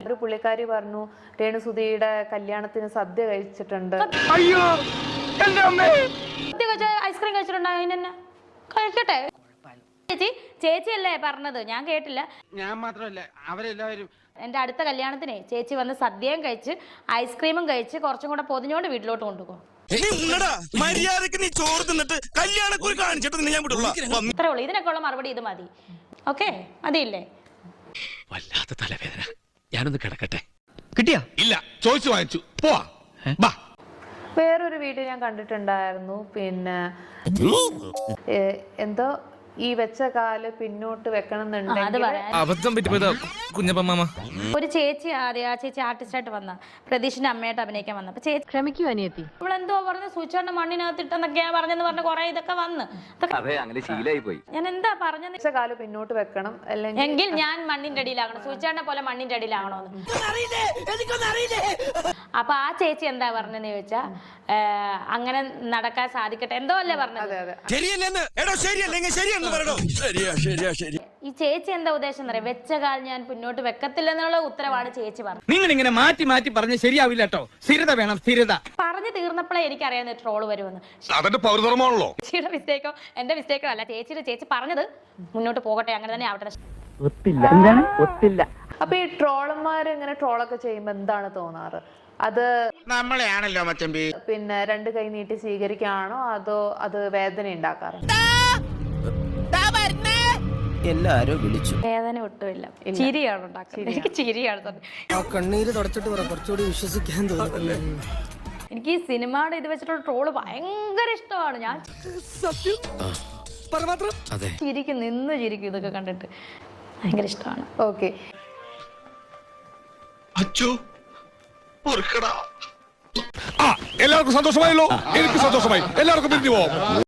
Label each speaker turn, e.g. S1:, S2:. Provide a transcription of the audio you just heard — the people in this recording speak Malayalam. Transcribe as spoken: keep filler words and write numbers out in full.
S1: രാത്രി പുള്ളിക്കാരി പറഞ്ഞു രേണുസുധിയുടെ കല്യാണത്തിന് സദ്യ കഴിച്ചിട്ടുണ്ട്.
S2: അയ്യോ
S3: ഐസ്ക്രീം കഴിച്ചിട്ടുണ്ടോ? അതിനെന്നെ കഴിക്കട്ടെ. ചേച്ചി ചേച്ചിയല്ലേ പറഞ്ഞത്, ഞാൻ കേട്ടില്ല.
S2: ഞാൻ മാത്രമല്ല അവരെല്ലാവരും.
S3: എന്റെ അടുത്ത കല്യാണത്തിനെ ചേച്ചി വന്ന് സദ്യയും കഴിച്ച് ഐസ്ക്രീമും കഴിച്ച് കുറച്ചും കൂടെ പൊതിഞ്ഞോണ്ട് വീട്ടിലോട്ട് കൊണ്ടുപോകും. ഇത്രേ ഉള്ളൂ. ഇതിനൊക്കെ ഉള്ള മറുപടി ഇത് മതി. ഓക്കെ, മതിയില്ലേ?
S4: വല്ലാത്ത തലവേദന, ഞാനൊന്ന് കിടക്കട്ടെ.
S5: കിട്ടിയാ?
S4: ഇല്ല, ചോദിച്ചു വാങ്ങിച്ചു. പോവാ.
S1: വേറൊരു വീഡിയോ ഞാൻ കണ്ടിട്ടുണ്ടായിരുന്നു. പിന്നെ എന്തോ ഈ വെച്ച കാല് പിന്നോട്ട് വെക്കണം എന്നുണ്ടെങ്കിൽ
S5: അബദ്ധം പറ്റിപ്പോയതാ കുഞ്ഞപ്പമ്മ.
S3: ഒരു ചേച്ചി ആദ്യം ആ ചേച്ചി ആർട്ടിസ്റ്റായിട്ട് വന്ന പ്രതീഷിന്റെ അമ്മയായിട്ട് അഭിനയിക്കാൻ വന്ന അപ്പൊ ചേച്ചി
S6: ക്ഷമിക്കൂ അനിയത്തി,
S3: ഇവളെന്തോ പറഞ്ഞ സൂചിച്ചോണ്ട് മണ്ണിനകത്തിട്ടെന്നൊക്കെയാ പറഞ്ഞെന്ന് പറഞ്ഞ കുറെ ഇതൊക്കെ വന്ന് ഞാൻ എന്താ പറഞ്ഞത്?
S1: വെച്ച കാല് പിന്നോട്ട് വെക്കണം അല്ലെങ്കിൽ
S3: എങ്കിൽ ഞാൻ മണ്ണിന്റെ അടിയിലാകണം, സൂചിച്ചാണ്ട പോലെ മണ്ണിന്റെ അടിയിലാകണോന്ന്. അപ്പൊ ആ ചേച്ചി എന്താ പറഞ്ഞെന്ന് ചോദിച്ചാ അങ്ങനെ നടക്കാൻ സാധിക്കട്ടെ എന്തോ അല്ലേ പറഞ്ഞത്. ഈ ചേച്ചി എന്താ ഉദ്ദേശം എന്നറിയാം? വെച്ച കാൽ ഞാൻ പിന്നോട്ട് വെക്കത്തില്ല എന്നുള്ള ഉത്തരവാണ് ചേച്ചി പറഞ്ഞത്.
S2: നിങ്ങൾ ഇങ്ങനെ മാറ്റി മാറ്റി പറഞ്ഞ് ശരിയാവില്ല കേട്ടോ. സ്ഥിരത വേണം, സ്ഥിരത.
S3: പറഞ്ഞു തീർന്നപ്പോഴേ എനിക്കറിയാവുന്ന ട്രോള് വരുമെന്ന്. ചേച്ചിയുടെ മിസ്റ്റേക്കോ എന്റെ മിസ്റ്റേക്കോ അല്ല, ചേച്ചിയുടെ ചേച്ചി പറഞ്ഞത് മുന്നോട്ട് പോകട്ടെ, അങ്ങനെ തന്നെ ആവട്ടെ.
S1: അപ്പൊ ഈ ട്രോളന്മാര് ഇങ്ങനെ ട്രോളൊക്കെ ചെയ്യുമ്പോ എന്താണ് തോന്നാറ്? അത്
S2: നമ്മളെയാണല്ലോ മച്ചമ്പി.
S1: പിന്നെ രണ്ട് കൈ നീട്ടി സ്വീകരിക്കാണോ അതോ അത് വേദന ഉണ്ടാക്കാറുണ്ട്?
S5: എല്ലാരും വിളിച്ചു.
S3: വേദന ഒട്ടുമില്ല, ചിരിയാണ് ഉണ്ടാക്കുന്നത്. എനിക്ക് ചിരിയാണ് തന്നെ.
S5: കണ്ണീര് തുടച്ചിട്ട് കുറച്ചുകൂടി വിശ്വസിക്കാൻ തോന്നുന്നു.
S3: എനിക്ക് ഈ സിനിമയുടെ ഇത് വെച്ചിട്ടുള്ള ട്രോള് ഭയങ്കര ഇഷ്ടമാണ്. ഞാൻ ചിരിക്കും, നിന്ന് ചിരിക്കും ഇതൊക്കെ കണ്ടിട്ട്. ഭയങ്കര ഇഷ്ടമാണ്.
S1: ഓക്കെ,
S4: എല്ലാവർക്കും സന്തോഷമായല്ലോ. എനിക്ക് സന്തോഷമായി. എല്ലാവർക്കും പിരിഞ്ഞു പോവാം.